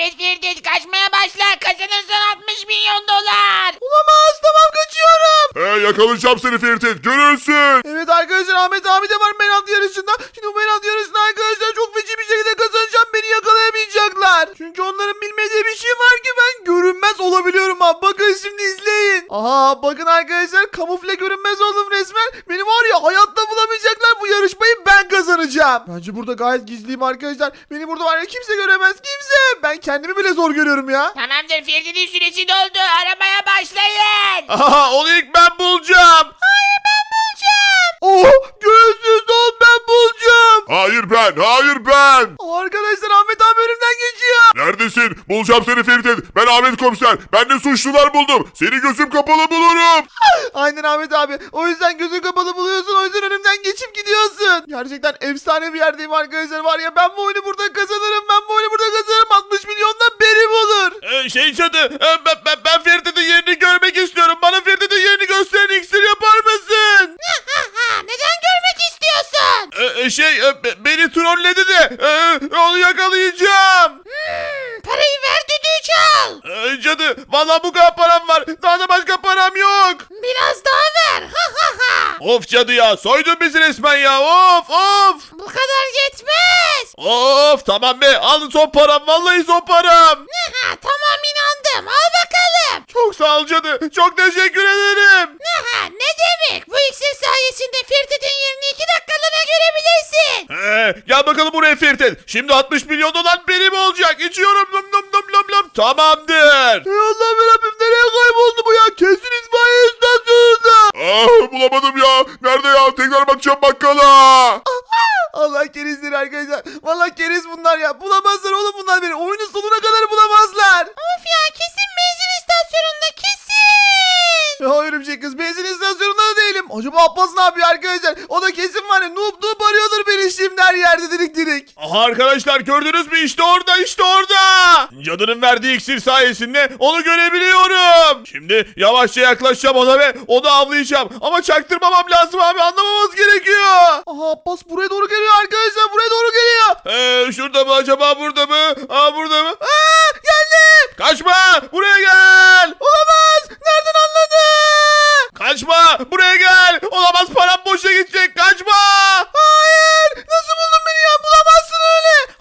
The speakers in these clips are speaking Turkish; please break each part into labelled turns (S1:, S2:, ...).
S1: Evet Ferit, kaçmaya başla. Kazanırsan 60 milyon dolar.
S2: Olamaz, tamam kaçıyorum.
S3: Yakalayacağım seni Ferit. Görürsün.
S2: Evet arkadaşlar, Ahmet abi de var penaltı yarışında. Şimdi bu penaltı yarışında arkadaşlar çok feci bir şekilde kazanacağım. Beni yakalayamayacaklar. Çünkü onların bilmediği bir şey var ki ben görünmez olabiliyorum abi. Bakın şimdi izleyin. Aha bakın arkadaşlar, kamufle görünmez oldum resmen. Beni var ya hayatta bulamayacaklar. Bu yarışmayı ben kazanacağım. Bence burada gayet gizliyim arkadaşlar. Beni burada var ya kimse göremez, kimse. Ben kendimi bile zor görüyorum ya.
S1: Tamamdır, Ferit'in süresi doldu. Aramaya başlayın.
S2: Aha onu ilk ben bulacağım. Oh, göğsüz don ben bulacağım.
S3: Hayır ben.
S2: Arkadaşlar Ahmet abi önümden geçiyor.
S3: Neredesin? Bulacağım seni Ferit. Ben Ahmet Komiser. Ben de suçlular buldum. Seni gözüm kapalı bulurum.
S2: Aynen Ahmet abi. O yüzden gözün kapalı buluyorsun. O yüzden önümden geçip gidiyorsun. Gerçekten efsane bir yerdeyim arkadaşlar. Var ya ben bu oyunu burada kazanırım. Ben bu oyunu burada kazanırım. 60 milyondan benim olur.
S4: Cadı, ben Ferit'in yerini görmek istiyorum. Bana Ferit'in yerini gösteren iksir yapar mısın?
S1: Neden görmek istiyorsun?
S4: Beni trolledi de onu yakalayacağım.
S1: Parayı ver, düdüğü çal.
S4: Cadı, valla bu kadar param var. Daha da başka param yok.
S1: Biraz daha ver.
S4: Of cadı ya, soydun bizi resmen ya. Of.
S1: Bu kadar yetmez.
S4: Of, tamam be, al son param, vallahi son param.
S1: Tamam, inandım. Al bakalım.
S4: Çok sağ ol cadı, çok teşekkür ederim.
S1: Ne demek? Bu iksir sayesinde Ferit'in yerini 2 dakikalığına görebilirsin.
S4: Gel bakalım buraya Ferit. Şimdi 60 milyon dolar benim olacak. İçiyorum. Lom. Tamamdır.
S2: Ey Allah'ım Rabbim, nereye kayboldu bu ya? Kesin İsmail istasyonunda.
S3: Bulamadım ya. Nerede ya? Tekrar bakacağım bakkala.
S2: Allah kerizdir arkadaşlar. Vallahi keriz bunlar ya. Bulamazlar oğlum bunlar beni. Oyunun sonuna kadar bulamazlar.
S1: Of ya, kesin benzin istasyonunda, kesin.
S2: Ya örümcek kız, benzin istasyonunda da değilim. Acaba Abbas ne yapıyor arkadaşlar? O da kesin var ya, noob arıyordur beni şimdi her yerde dirik.
S4: Aha arkadaşlar, gördünüz mü? İşte orada. Cadının verdiği iksir sayesinde onu görebiliyorum. Şimdi yavaşça yaklaşacağım ona ve onu avlayacağım. Ama çaktırmamam lazım abi, anlamamız gerekiyor.
S2: Aha Abbas buraya doğru geliyor arkadaşlar, buraya doğru geliyor.
S4: Şurada mı acaba, burada mı? Burada mı?
S2: Geldi.
S4: Kaçma, buraya gel.
S2: Olamaz. Nereden anladı?
S4: Kaçma, buraya gel. Olamaz, param boşa gidecek. Kaçma.
S2: Hayır. Nasıl buldun beni ya? Bulamazsın öyle.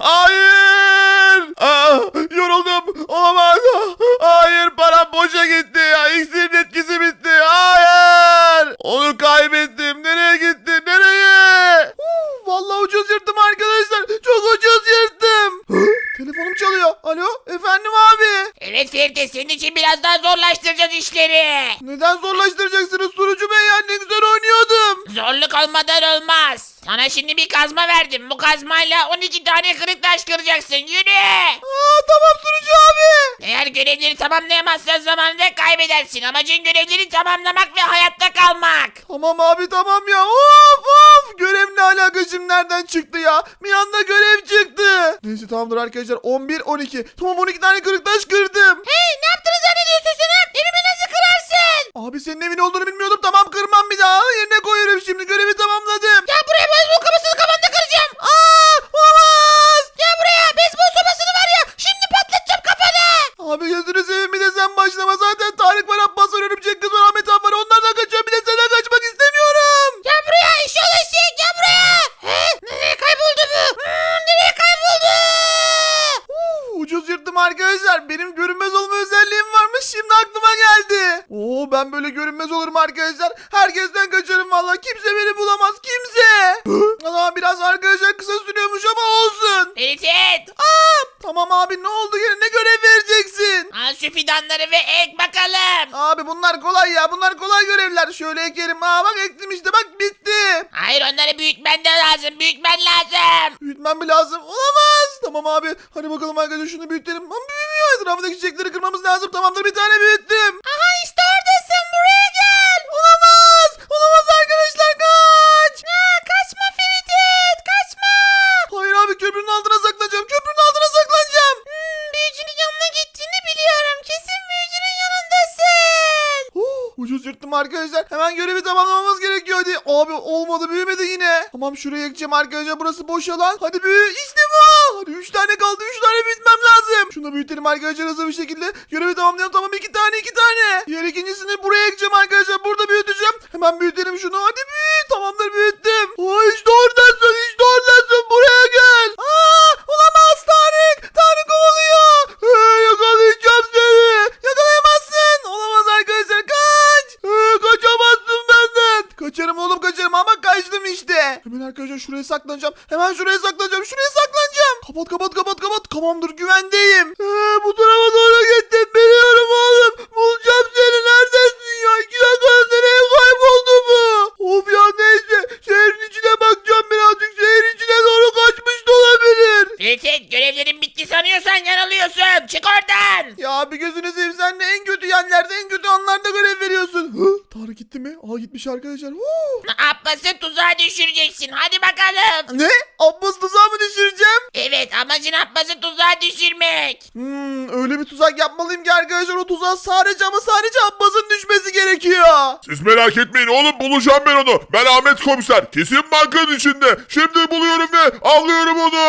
S4: Hayır. Yoruldum. Olamaz. Hayır, param boşa gitti ya. İksirin etkisi bitti. Hayır. Onu kaybettim. Nereye gitti? Nereye?
S2: Vallahi ucuz yırttım arkadaşlar. Çok ucuz yırttım. Telefonum çalıyor. Alo, efendim abi.
S1: Evet Ferit, senin için biraz daha zorlaştıracağız işleri.
S2: Neden zorlaştıracaksınız sunucu bey ya? Ne güzel oynuyordum.
S1: Zorluk olmadan olmaz. Sana şimdi bir kazma verdim. Bu kazmayla 12 tane kırık taş kıracaksın. Yürü.
S2: Tamam sunucu abi.
S1: Eğer görevleri tamamlayamazsan zamanında kaybedersin. Amacın görevleri tamamlamak ve hayatta kalmak.
S2: Tamam abi, tamam ya. Of. Görev ne alaka şimdi, nereden çıktı ya? Bir anda görev çıktı. Neyse tamamdır arkadaşlar. 11, 12. Tamam 12 tane kırık taş kırdım.
S1: Hey, ne yaptığını zannediyorsun sen? Evimi nasıl kırarsın?
S2: Abi senin evin olduğunu bilmiyordum. Tamam kırmam bir daha. Yerine koyuyorum şimdi. Görevi tamamladım.
S1: Gel buraya, beyzbol kafasını kafanda kıracağım.
S2: Olamaz.
S1: Gel buraya, beyzbol sopasını var ya, şimdi patlatacağım kafanı.
S2: Abi gözünü seveyim, bir de sen başlama. Zaten Tarık var, Abbas var, örümcek kız var, Ahmet abi var. Onlardan kaçıyorum. Bir de senden kaçmak istemiyorum.
S1: Gel buraya, eşşoğlu eşek, gel buraya. Nereye kayboldu bu? Nereye kayboldu?
S2: Ucuz yırttım arkadaşlar. Benim görünmez olma özelliğim varmış. Şimdi aklıma geldi. Ben böyle görünmez olurum arkadaşlar. Herkesten kaçarım vallahi. Kimse beni bulamaz. Kimse. Ama biraz arkadaşlar kısa sürüyormuş ama olsun.
S1: Ferit,
S2: Tamam abi, ne oldu yine? Ne görev vereceksin?
S1: al şu fidanları ve ek bakalım.
S2: Abi bunlar kolay ya. Bunlar kolay görevler. Şöyle ekerim. Bak ektim işte. Bak bitti.
S1: Hayır, onları büyütmen de lazım. Büyütmen lazım.
S2: Büyütmem mi lazım? Olamaz. Tamam abi. Hadi bakalım arkadaşlar, şunu büyütelim. Ama büyümüyor. Etrafındaki çiçekleri kırmamız lazım. Tamamdır, bir tane büyüttüm.
S1: Aha, işte oradasın. Buraya gel.
S2: Olamaz. Olamaz arkadaşlar, kaç.
S1: Kaçma Ferit, kaçma.
S2: Hayır abi, köprünün altına saklanacağım. Köprünün altına saklanacağım.
S1: Büyücünün yanına gittiğini biliyorum. Kesin büyücünün yanındasın.
S2: Şaşırttım arkadaşlar. Hemen görevi tamamlamamız gerekiyor. Hadi. Abi olmadı, büyümedi yine. Tamam, şuraya yakacağım arkadaşlar. Burası boş alan. Hadi büyü. İşte bu. Hadi 3 tane kaldı. 3 tane büyütmem lazım. Şunu büyütelim arkadaşlar hızlı bir şekilde. Görevi tamamlayalım. Tamam, 2 tane. Diğer ikincisini buraya yakacağım arkadaşlar. Burada büyüteceğim. Hemen büyütelim şunu. Hadi büyüt. Tamamdır, büyüttüm. Aa, işte oradasın. İşte oradasın. Buraya gel. Aa, olamaz Tarık. Tarık kovalıyor. Yakalayacağım seni. Yakalayamazsın. Olamaz arkadaşlar. Kaç. Kaçamazsın benden. Kaçarım oğlum, kaçarım ama kaçtım işte. Hemen arkadaşlar şuraya saklanacağım. Hemen şuraya saklanacağım. Şuraya saklanacağım. Kapat. Tamamdır, güvendeyim. Bu tarafa doğru gittim. Biliyorum oğlum. Bulacağım seni. Neredesin ya? 2 dakika nereye kayboldu bu? Of ya, neyse. Şehrin içine bakacağım birazcık. Şehrin içine doğru kaçmış da olabilir.
S1: Ferit, görevlerin bitti sanıyorsan yanılıyorsun. Çık oradan.
S2: Ya bir gözünü seveyim, sen de en kötü yerlerde, en kötü anlarda görev veriyorsun. Tarık gitti mi? Aa, gitmiş arkadaşlar.
S1: Abbas'ı tuzağa düşüreceksin. Hadi bakalım.
S2: Ne? Abbas tuzağı mı düşüreceğim?
S1: Evet, amacın Abbas'ı tuzağa düşürmek.
S2: Öyle bir tuzak yapmalıyım ki arkadaşlar, o tuzağa sadece ama sadece Abbas'ın düşmesi gerekiyor.
S3: Siz merak etmeyin oğlum, bulacağım ben onu. Ben Ahmet komiser. Kesin bankanın içinde. Şimdi buluyorum ve avlıyorum onu.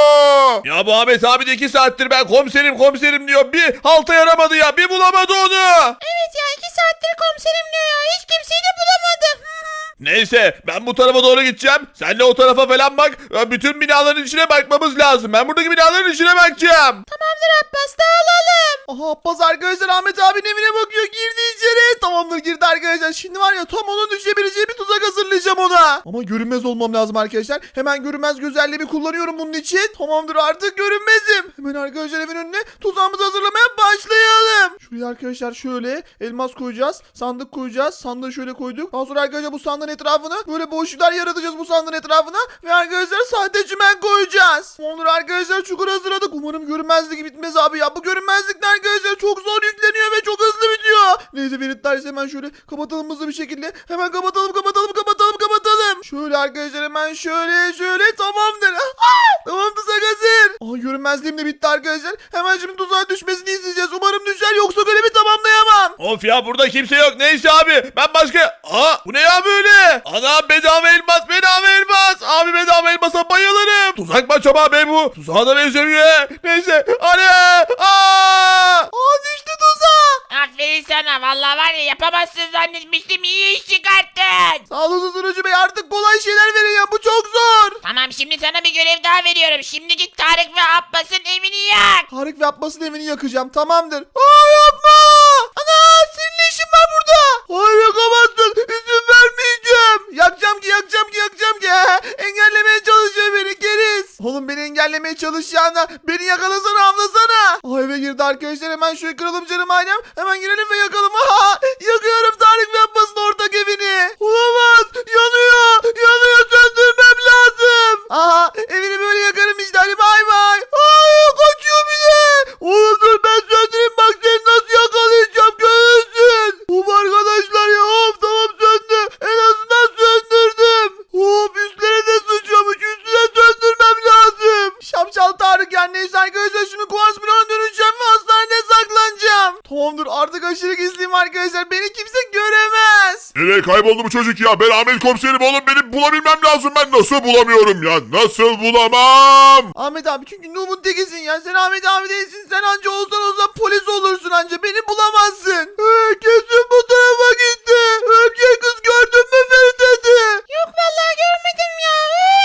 S4: Ya bu Ahmet abi de 2 saattir ben komiserim diyor. Bir halta yaramadı ya. Bir bulamadı onu.
S1: Evet ya, 2 saattir komiserim diyor ya. Hiç kimseyi de bulamadı.
S4: Neyse ben bu tarafa doğru gideceğim. Sen de o tarafa falan bak. Bütün binaların içine bakmamız lazım. Ben buradaki binaların içine bakacağım.
S1: Tamamdır Abbas, dağılalım.
S2: Aha, Abbas arkadaşlar Ahmet abinin evine bakıyor, girdi içeri. Tamamdır, girdi arkadaşlar. Şimdi var ya, tam onun düşebileceği bir tuzak hazırlayacağım ona. Ama görünmez olmam lazım arkadaşlar. Hemen görünmez gözlerimi kullanıyorum bunun için. Tamamdır, artık görünmezim. Hemen arkadaşlar evin önüne tuzağımızı hazırlamaya başlayalım. Şuraya arkadaşlar şöyle elmas koyacağız. Sandık koyacağız. Sandığı şöyle koyduk. Daha sonra arkadaşlar bu sandığın etrafına böyle boşluklar yaratacağız bu sandığın etrafına. Ve arkadaşlar sahte çimen koyacağız. Tamamdır arkadaşlar, çukur hazırladık. Umarım görünmezlik bitmez abi ya. Bu görünmezlikler arkadaşlar çok zor yükleniyor ve çok hızlı bitiyor. Neyse Feritler, hemen şöyle kapatalım hızlı bir şekilde. Hemen kapatalım. Şöyle arkadaşlar hemen şöyle tamamdır. Tamam, tuzak hazır. Aa, görünmezliğim de bitti arkadaşlar. Hemen şimdi tuzağa düşmesini izleyeceğiz. Umarım düşer, yoksa görevi tamamlayamam.
S4: Of ya, burada kimse yok. Neyse abi ben başka... Bu ne ya böyle? Ana, bedava elmas. Abi bedava elmasa bayılırım. Tuzak mı acaba be bu? Tuzağa da benzemiyor. Neyse.
S2: Düştü tuzağa.
S1: Aferin sana. Vallahi var ya, yapamazsın zannetmiştim. İyi iş çıkarttın.
S2: Sağ olun sunucu bey, artık kolay şeyler verin ya, bu çok zor.
S1: Tamam, şimdi sana bir görev daha veriyorum. Şimdi git Tarık ve Abbas'ın evini yak.
S2: Tarık ve Abbas'ın evini yakacağım, tamamdır. Yapma. Ana, senin ne işin var burada? Hayır, yakamazsın. İzin vermeyeceğim. Yakacağım ki. Engellemeye çalışıyor beni keriz. Oğlum, beni engellemeye çalışacağına beni yakalasana, avlasana. Eve girdi arkadaşlar, hemen şöyle kıralım canım ailem. Hemen girelim ve yakalım. Yakıyorum Tarık ve Abbas'ın ortak evini. Olamaz. Yanıyor. Söndürmem lazım. Evini böyle yakarım işte. Hadi bay bay. Kaçıyor bir de. Oğlum dur, ben söndüreyim, bak seni nasıl yakalayacağım, görürsün. Of arkadaşlar ya, tamam söndü. En azından söndürdüm. Üstlerine de sıçramış. Üstüne söndürmem lazım. Şapşal Tarık ya, neyse arkadaşlar, şimdi kuvars bloğuna döneceğim ve hastanede saklanacağım. Tamamdır, artık aşırı gizliyim arkadaşlar. Beni kimse göremez.
S3: Nereye kayboldu bu çocuk ya? Ben Ahmet komiserim oğlum, beni bulabilmem lazım. Ben nasıl bulamıyorum ya? Nasıl bulamam?
S2: Ahmet abi, çünkü Nuh'un tekisin ya. Sen Ahmet abi değilsin. Sen anca olsan polis olursun anca. Beni bulamazsın. Kesin bu tarafa gitti. Örümcek kız gördün mü Ferit?
S1: Yok vallahi, görmedim ya.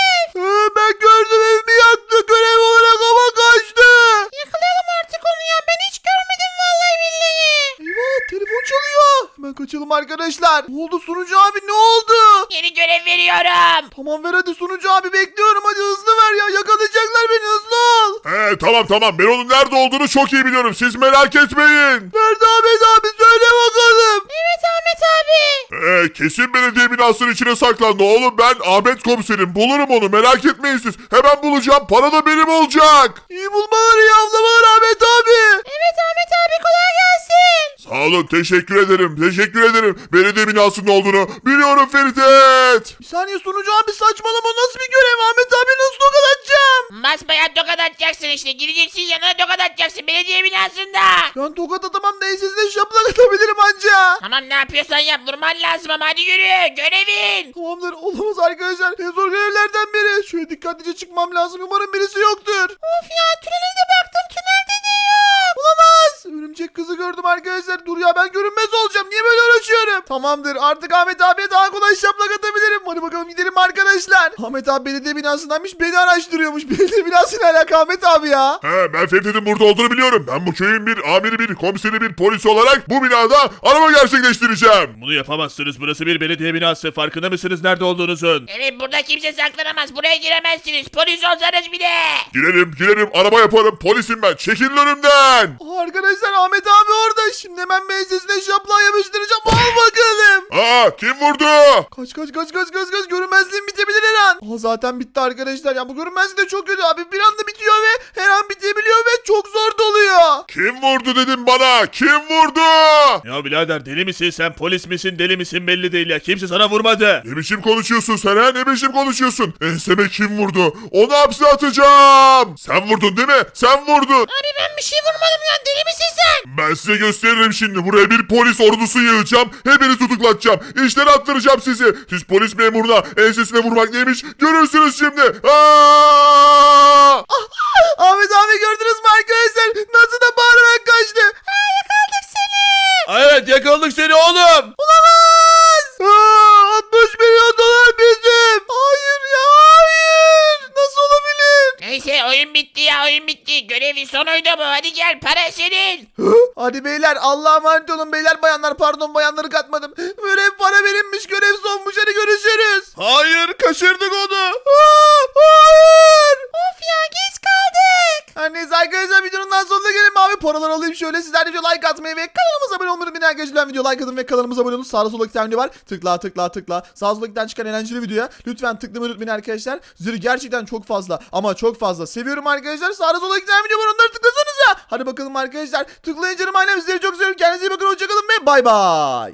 S2: Ben gördüm, evimi yaktı. Görev olarak ama kaçtı.
S1: Yakalayalım artık onu ya. Ben hiç görmedim vallahi billahi.
S2: Eyvah, telefon çalıyor. Hemen kaçalım arkadaşlar. Ne oldu sunucu abi, ne oldu?
S1: Yeni görev veriyorum.
S2: Tamam, ver hadi sunucu abi, bekliyorum. Hadi hızlı ver ya, yakalayacaklar beni, hızlı ol.
S3: Tamam. Ben onun nerede olduğunu çok iyi biliyorum. Siz merak etmeyin.
S2: Nerede Ahmet abi, söyle bakalım.
S1: Evet Ahmet abi.
S3: Kesin belediye binasının içine saklandı oğlum. Ben Ahmet komiserim. Bulurum onu, merak etmeyin siz. Hemen bulacağım. Para da benim olacak.
S2: İyi bulmalar, iyi avlamalar Ahmet abi.
S1: Evet Ahmet abi, kolay gelsin.
S3: Sağ olun, teşekkür ederim. Teşekkür ederim. Belediye binasının olduğunu biliyorum Ferit.
S2: Bir saniye sunucu abi saçmalama, nasıl bir görev? Ahmet abi nasıl tokat atacağım?
S1: Basbayağı tokat atacaksın işte. Gireceksin yanına tokat atacaksın belediye binasında.
S2: Ben tokat atamam da ensesine şaplak atabilirim anca.
S1: Tamam ne yapıyorsan yap. Durman lazım ama hadi yürü. Görevin.
S2: Tamamdır, olamaz arkadaşlar. En zor görevlerden biri. Şöyle dikkatlice çıkmam lazım. Umarım birisi yoktur. Of ya, tünele de baktım. Tünelde de yok. Olamaz. Örümcek kızı gördüm arkadaşlar. Dur ya, ben görünmez olacağım. Niye böyle uğraşıyorum? Tamamdır, artık Ahmet abiye daha kolay şaplak atabilirim. Hadi bakalım gidelim arkadaşlar. Ahmet abi belediye binasındaymış. Beni araştırıyormuş. Belediye binasıyla alaka Ahmet abi ya.
S3: Ben Ferit'in burada olduğunu biliyorum. Ben bu köyün bir amiri, bir komiseri, bir polis olarak bu binada arama gerçekleştireceğim.
S4: Bunu yapamazsınız. Burası bir belediye binası. Farkında mısınız nerede olduğunuzun?
S1: Evet burada kimse saklanamaz. Buraya giremezsiniz. Polis olsanız bile.
S3: Girerim, araba yaparım. Polisim ben. Çekilin önümden.
S2: Arkadaşlar Ahmet abi orada. Şimdi hemen ensesine şaplağı yapıştıracağım. Al bakalım.
S3: Kim vurdu?
S2: Kaç. Görünmezliğim bitebilir her an. Zaten bitti arkadaşlar. Ya bu görünmezlik de çok kötü abi. Bir anda bitiyor ve her an bitebiliyor ve çok zor doluyor.
S3: Kim vurdu dedim bana. Kim vurdu?
S4: Ya birader deli misin sen? Polis misin deli misin belli değil ya. Kimse sana vurmadı.
S3: Ne biçim konuşuyorsun sen ha? Ne biçim konuşuyorsun? Enseme kim vurdu? Onu hapse atacağım. Sen vurdun değil mi? Sen vurdun.
S1: Abi ben bir şey vurmadım ya. Deli misin sen?
S3: Ben size gösteririm şimdi. Buraya bir polis ordusu yığacağım. Hepinizi tutuklatacağım. İşten attıracağım sizi. Siz polis memuruna ensesine vurmak neymiş? Görürsünüz şimdi.
S2: Ahmet abi gördünüz mü arkadaşlar? Nasıl da bağırarak kaçtı.
S4: Evet yakaladık seni oğlum.
S2: Olamaz. 60 milyon dolar bizim. Hayır ya, hayır. Nasıl olabilir?
S1: Neyse oyun bitti ya oyun bitti. Görevin sonuydu bu. Hadi gel para senin.
S2: Hadi beyler, Allah'a emanet olun beyler bayanlar, pardon bayanları katmadım. Görev para verilmiş, görev sonmuş, hadi görüşürüz.
S4: Hayır kaçırdık onu.
S2: Hayır.
S1: Of ya geç kaldık.
S2: Her neyse arkadaşlar, videonun daha sonuna gelin abi. Paralar alayım şöyle. Sizler de video like atmayı ve kanalımıza abone olmayı unutmayın arkadaşlar. Video like atın ve kanalımıza abone olun. Sağda solda iki tane video var. Tıkla. Sağ solda iki tane çıkan eğlenceli videoya lütfen tıklamayı unutmayın arkadaşlar. Zırh gerçekten çok fazla ama çok fazla seviyorum arkadaşlar. Sağda solda iki tane video var, onları tıklasanıza. Hadi bakalım arkadaşlar. Tıklayın canım ailem, sizleri çok seviyorum. Kendinize iyi bakın, hoşçakalın ve bay bay.